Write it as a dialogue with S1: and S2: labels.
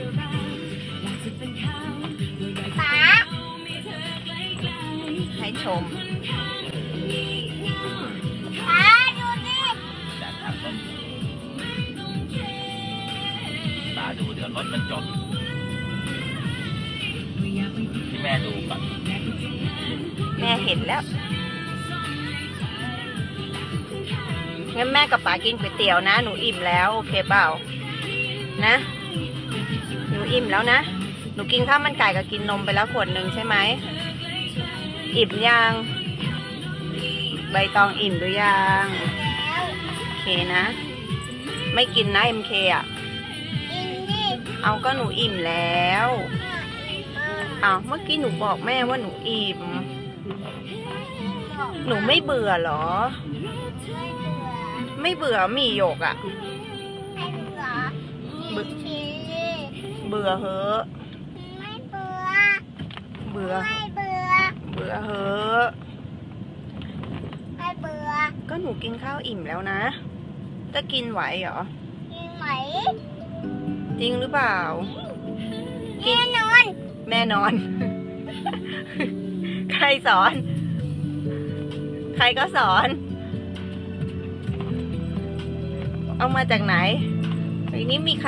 S1: ป๋า
S2: ให้ชม
S1: ป๋าดูดิ
S3: จากทางรถตาดูเดี๋ยวรถมันจอดที่แม่ดูก่อน
S2: แม่เห็นแล้วงั้นแม่กับป๋ากินก๋วยเตี๋ยวนะหนูอิ่มแล้วโอเคเปล่านะหนูอิ่มแล้วนะหนูกินข้าวมันไก่กับกินนมไปแล้วขวดหนึ่งใช่ไหมอิ่มยังใบตองอิ่มหรือยังโอเคนะไม่กินนะ MK อ่ะ
S1: กินดิ
S2: เอาก็หนูอิ่มแล้วเอาเมื่อกี้หนูบอกแม่ว่าหนูอิ่มหนูไม่เบื่อเหรอไม่เบื่อหมี่หยกอ่ะ
S1: ไม่เบื่อกินชี
S2: เบื่อเหอะ
S1: ไม่เบื่อ
S2: เบื่อ
S1: ไม่เบื่อ
S2: เบื่อเหอะ
S1: ไม่เบื่อ
S2: ก็หนูกินข้าวอิ่มแล้วนะจะกินไหวเหรอ
S1: กินไหม
S2: จริงหรือเปล่า
S1: แน่นอน
S2: แม่นอน ใครสอน ใครก็สอน เอามาจากไหนไอ้นี้มี